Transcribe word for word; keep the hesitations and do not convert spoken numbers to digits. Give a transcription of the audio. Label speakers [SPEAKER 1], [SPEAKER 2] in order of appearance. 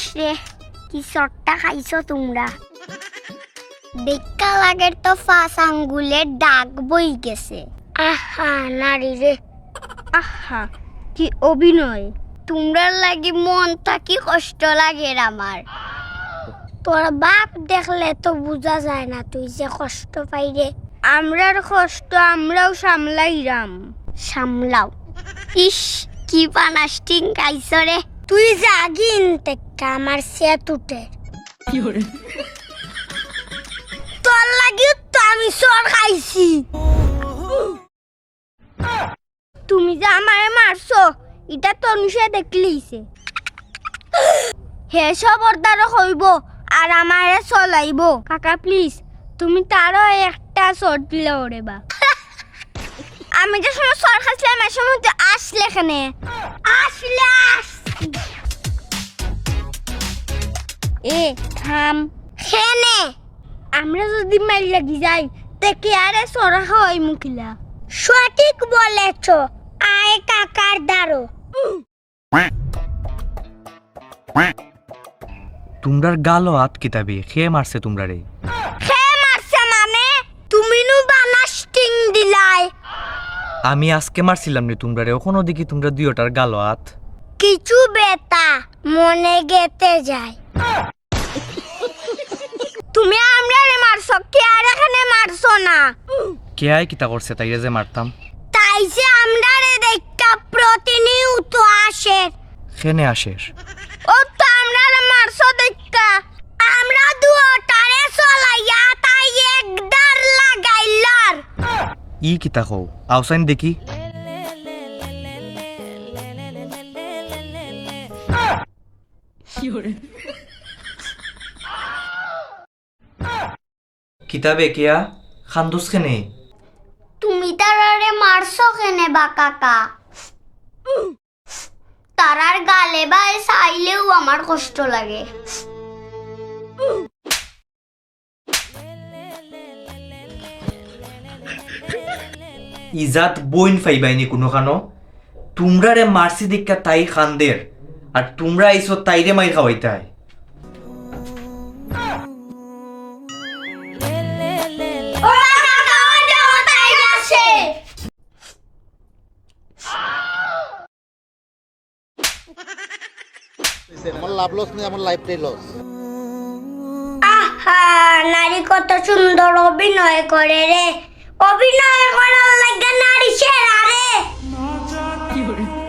[SPEAKER 1] রে, কি চটটা খাইছো তোমরা। দেখা লাগের তো পাঁচ আঙ্গুলের দাগ বই গেছে। আহা নারী রে, আহা কি অভিনয়। তোমরা লাগি মনটা কি কষ্ট লাগে আমার। তোর বাপ দেখলে তো বোঝা যায় না তুই যে কষ্ট পাই রে। আমরার কষ্ট আমরাও সামলাইরাম। সামলাও? ইস কি পানাস্টিং খাইছ রে। তুই জাগিন টেক্কা আমার সেত উঠে। তোর লাগি তো আমি সর খাইছি। তুমি যে আমারে মারছো এটা তনুষে দেখলিছে। হে সবরদার হইব আর আমারে চলাইব। কাকা প্লিজ তুমি তারও একটা শর্ট দিলে ওরে বা। আমি যে সময় সর খাইছিলাম এর সময় তো আসলে এখানে। আসলে আসছি। এ থাম। খেনে আমরা যদি মাইল লাগি যাই দেখি আরে সরা হয় মুখিলা। সঠিক বলেছ। আয় কাকার দাঁড়ো।
[SPEAKER 2] তোমরার গালো হাত কিতাবি খেয়ে মারছে তোমরা রে।
[SPEAKER 1] খেয়ে মারছে মানে তুমি নু বানাস্টিং দিলাই।
[SPEAKER 2] আমি আজকে মারছিলাম রে তোমরা রে, ওখানে দেখি তোমরা দুইটার গালো হাত।
[SPEAKER 1] কিছু বেতা মনে গেতে যায়। তুমি আমরারে মারছো কে আর এখানে মারছো না।
[SPEAKER 2] কে আয় কিতা করছে তাইরে যে মারতাম।
[SPEAKER 1] তাই যে আমরারে দেখা প্রতিনিয়ত আসে।
[SPEAKER 2] খেনে আসের
[SPEAKER 1] ও তো আমরারে মারছো দেখা আমরা দুটারে চলাইয়া তাই একদার লাগাইলার।
[SPEAKER 2] ই কিতা কও আউসাইন দেখি। কিতাবে কেয়া খান্দুস খেনে।
[SPEAKER 1] তুমি তারারে মারছো কেনে বা কাকা। তারার গালে বাই চাইলেও আমার কষ্ট লাগে।
[SPEAKER 2] ইজাত বইন ফাইবাইনি কোনো খানো। তোমরা রে মারসি দীক্ষা তাই খান্দের আর তোমরা আইসো তাইরে মাই খাওয়াইতাই।
[SPEAKER 3] আমার লাভ লস নেই, আমার লাইফটাই লস।
[SPEAKER 1] আহা নারী কত সুন্দর অভিনয় করে রে। অভিনয় করার লাগে নারী সেরা রে।